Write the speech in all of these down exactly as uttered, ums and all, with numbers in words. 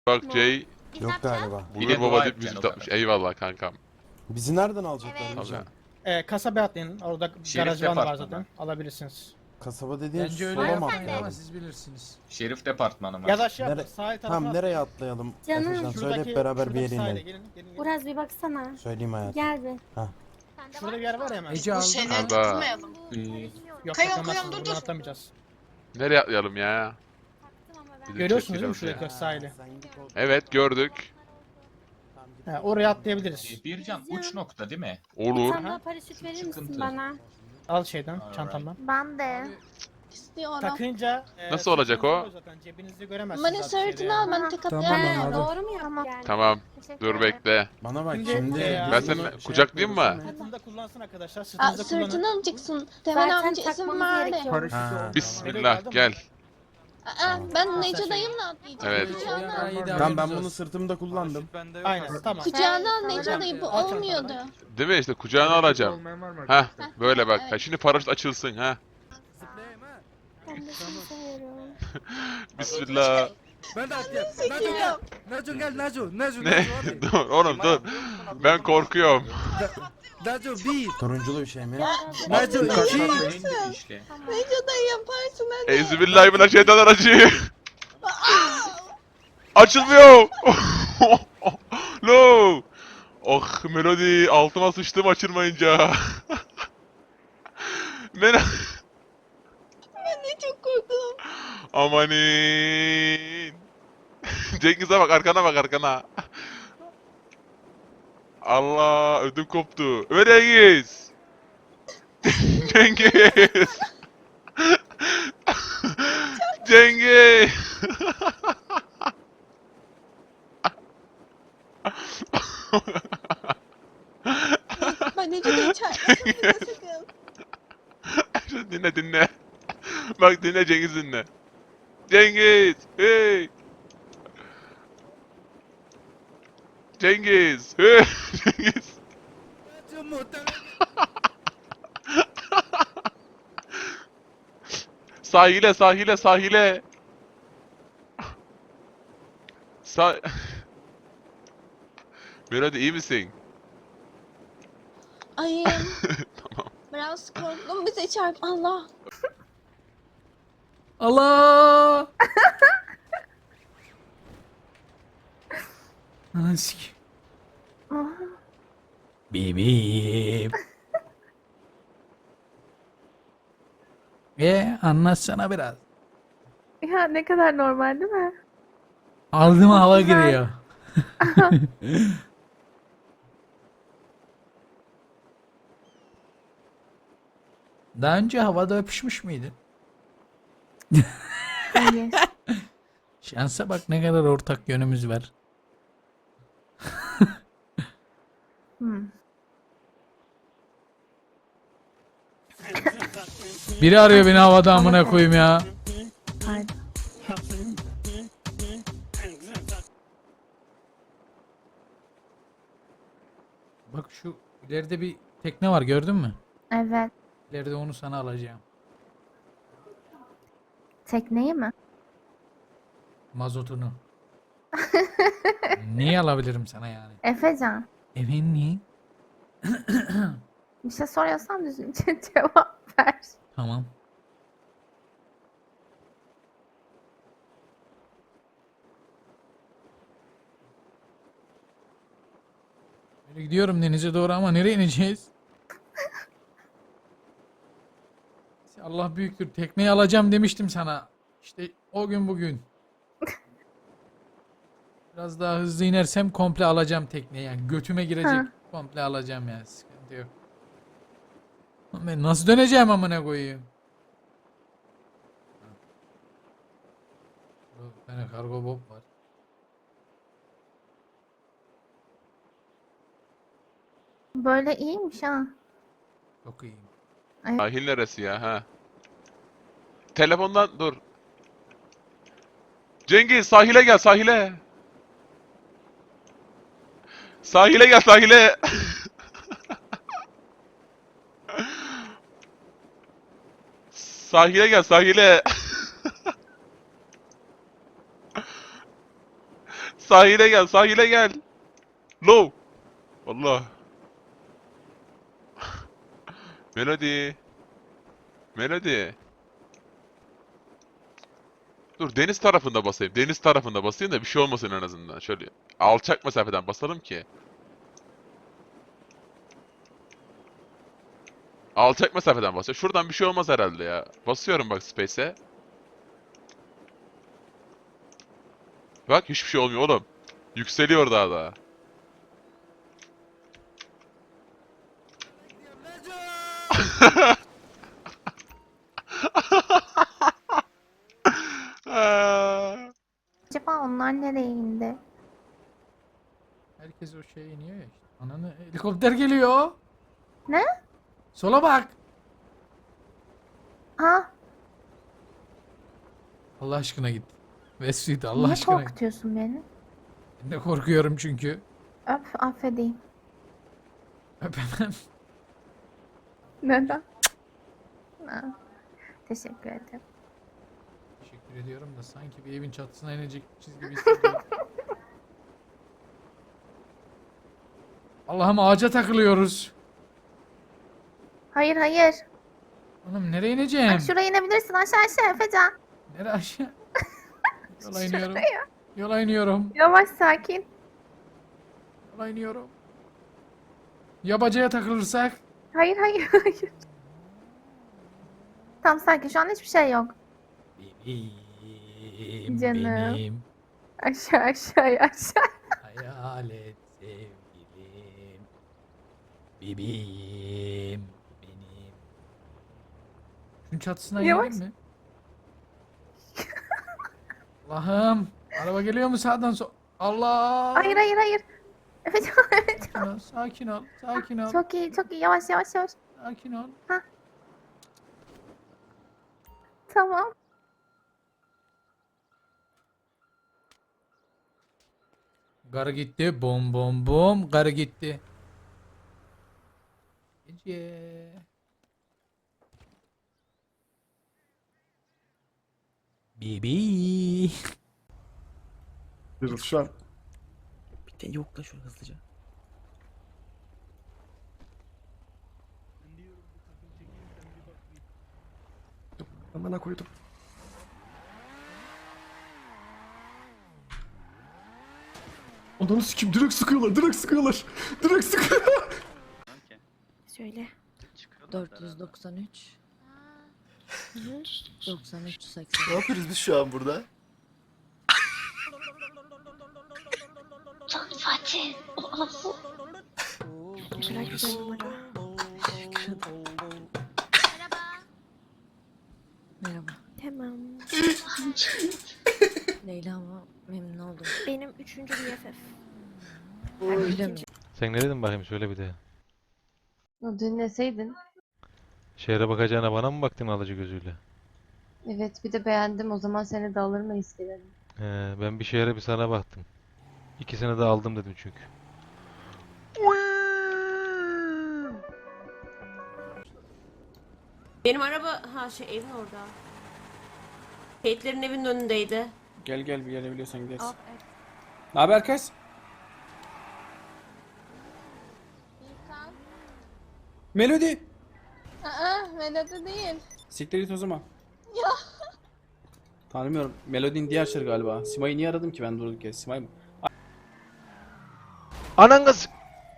Bak Jay Yok galiba. bulur Yine baba dua deyip edeceksin müzik o atmış. kadar. Eyvallah kankam. Bizi nereden alacaklar Evet. Bircan? Tabii. Ee, kasabaya atlayın. Orada Şerif garaj van var departmanı. zaten. Alabilirsiniz. Kasaba dediğin Bence öyle sola mı yapmayın ama atlayalım? siz bilirsiniz. Şerif departmanı mı? Ya da şey yapın. Nere- Sahil tarafına Tamam atlayın. nereye atlayalım? Canım. Efecan söyle Şuradaki, hep beraber bir şuradaki yere sahile inelim. gelin. gelin, gelin. Uraz bir baksana. Söyleyeyim hayatım. Gel bir. Şurada bir yer var ya hemen. Ece Bu aldı. şeyleri Arda. takılmayalım. Ee, Yok Kayın, takılmazsınız. kayın, dur, Buradan dur. atlamayacağız. Nereye atlayalım ya? Bir de Görüyorsunuz değil mi çekil şuradaki oraya. sahili? Sen git o- Evet gördük. Tamam, git. He, oraya atlayabiliriz. e, Bircan uç nokta değil mi? Bir Olur. tane daha paraşüt verir misin Sıkıntı. bana? Al şeyden, Alright. çantamdan. Ben de. İstiyorum. Takınca e, Nasıl olacak o? sırtınızda zaten, cebinizde göremezsiniz. Bana abi şeyde sırtını yani. al ben tek Tamam, atlayamam. He, anladım. doğru mu yaptık yani? Tamam. Teşekkür Dur ederim. bekle. Bana bak Şimdi, şimdi. e, biz Ben bunu seni şey kucaklayayım mı? yapıyoruz, değil mi? Sırtında kullansın arkadaşlar. Aa, Sırtınızda kullanın. sırtını alacaksın. Temen Zaten amca izin takmamız verdi. gerekiyor. Ha, Bismillah gel. Aa, ben Nece dayımla atlayacağım. Evet. Kucağına al. Tamam ben bunu sırtımda kullandım. Aynen tamam. Kucağına al Evet, Nece tamam. dayı bu Al olmuyordu. çantanı. Değil mi işte kucağına alacağım. Heh böyle bak. Evet. Ha, şimdi paraşüt açılsın ha. Ben de seni seviyorum. Bismillah. Ben de atlayayım. Naco Çekiliyorum. gel. Naco gel Naco. Naco Ne? Naco hadi. Dur oğlum dur. Ben korkuyorum. Naco bir. Turunculu bir şey mi? Naco iki. İşte. Nece dayı yaparsın hadi. Euzubillahimineşşeytanirracim. Açılmıyor. No. Oh Melody altıma sıçtım açılmayınca. Ben Ben de çok korktum. amanin. Cengiz'e bak arkana bak arkana. Allah ödüm koptu. Cengiz. Cengiz. Cengiz. Ben Nece dayı çarpmasın bize sakın. Şu dinle dinle. Bak dinle Cengiz dinle. Cengiz. Hey. Cengiz. Hey. Cengiz. Naco muhtemelen. Sahile sahile sahile. Sah... Melody iyi misin? Ay. Biraz korktum bize çarp. Allah. Allah! Ananı sikeyim. Bibim. E anlatsana biraz. Ya ne kadar normal değil mi? Aldıma hava güzel. giriyor. Daha önce havada öpüşmüş müydün? Hayır. Şansa bak ne kadar ortak yönümüz var. Hmm. Biri arıyor beni havada amına koyayım ya. Pardon. Bak şu ileride bir tekne var gördün mü? Evet. İleride onu sana alacağım. Tekneyi mi? Mazotunu. Niye alabilirim sana yani? Efecan. Efendim? Bir şey soruyorsan düzgünce cevap ver. Tamam. Böyle gidiyorum denize doğru ama nereye ineceğiz? Allah büyüktür. Tekneyi alacağım demiştim sana. İşte o gün bugün. Biraz daha hızlı inersem komple alacağım tekneyi. Yani götüme girecek. Ha. Komple alacağım yani. Sıkıntı yok. Lan ben nasıl döneceğim amına koyayım? Burada bir tane kargo bob var. Böyle iyiymiş ha. Çok iyiyim. Sahil neresi ya ha? Telefondan dur. Cengiz sahile gel sahile. Sahile gel sahile. Sahile gel sahile. Sahile gel, sahile gel. Low. Allah. Melody. Melody. Dur deniz tarafında basayım. Deniz tarafında basayım da bir şey olmasın en azından. Şöyle alçak mesafeden basalım ki. Alçak mesafeden basıyor. Şuradan bir şey olmaz herhalde ya. Basıyorum bak space'e. Bak hiçbir şey olmuyor oğlum. Yükseliyor daha da. Acaba onlar nereye indi? Herkes o şeye iniyor ya işte. Ananı helikopter geliyor. Ne? Sola bak. Ha, Allah aşkına git. Vesvit Allah niye aşkına git. korkutuyorsun beni? Ben de korkuyorum çünkü. Öp, affedeyim. Öpemem. Neden? Ha, teşekkür ederim. Teşekkür ediyorum da sanki bir evin çatısına inecekmişiz gibi hissediyorum. Allah'ım ağaca takılıyoruz. Hayır hayır. Oğlum nereye ineceğim? Bak şuraya inebilirsin, aşağı aşağı Efecan. Nereye aşağı? Yola iniyorum. Şuraya. Yola iniyorum. Yavaş, sakin. Yola iniyorum. Ya bacaya takılırsak? Hayır hayır hayır. Tam sakin, şu an hiçbir şey yok. Benim, Canım. benim Aşağı aşağı aşağı. hayalet sevgilim. Bebeğim benim. Şunun çatısına Yavaş. inelim mi? Allah'ım. Araba geliyor mu sağdan sol? Allah. Hayır hayır hayır. Efecan Efecan. Sakin ol, sakin ol, sakin ol, Çok iyi çok iyi, yavaş yavaş yavaş. sakin ol. Tamam. Garı gitti, bom bom bom, garı gitti. Gece. Bibi. Yürü şu an. Bir de yokla şunu hızlıca. Amına koydum. Ananı sikim, direkt sıkıyorlar, direkt sıkıyorlar. Direkt sıkıyorlar. Söyle. dört yüz doksan üç doksan üç seksen. Ne yapıyoruz biz şu an burada? Fatih. O asıl. Güzel güzel numara. Merhaba. Tamam. Leyla ama memnun oldum. Benim üçüncü B F F. Öyle mi? Sen ne dedin bakayım söyle bir de. Dinleseydin. Şehre bakacağına bana mı baktın alıcı gözüyle? Evet, bir de beğendim, o zaman seni de alır mıyız dedim. Ee, ben bir şehre bir sana baktım. İkisini de aldım dedim çünkü. Benim araba ha şey evin orada. Kate'lerin evinin önündeydi. Gel gel bir gelebiliyorsan gideriz. Al, Ne haber kız? Melody. Aa, Melody değil. Siktir git o zaman. Ya. Tanımıyorum. Melody'nin diğer şarkı galiba. Sima'yı niye aradım ki ben durduk ya? Simay mı? Anan kız!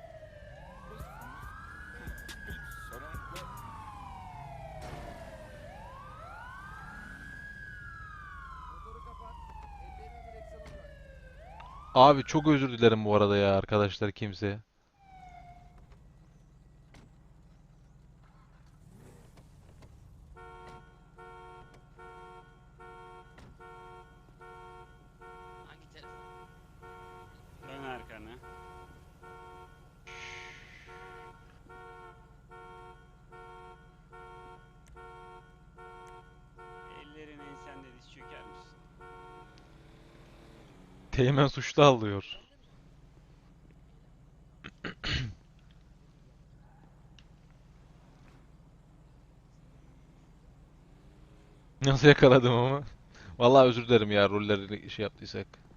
Abi çok özür dilerim bu arada ya arkadaşlar kimse. Dön arkana. Ellerin ensende diz çöker misin? Teğmen suçlu alıyor. Nasıl yakaladım ama? Vallahi özür dilerim ya rolleri şey yaptıysak.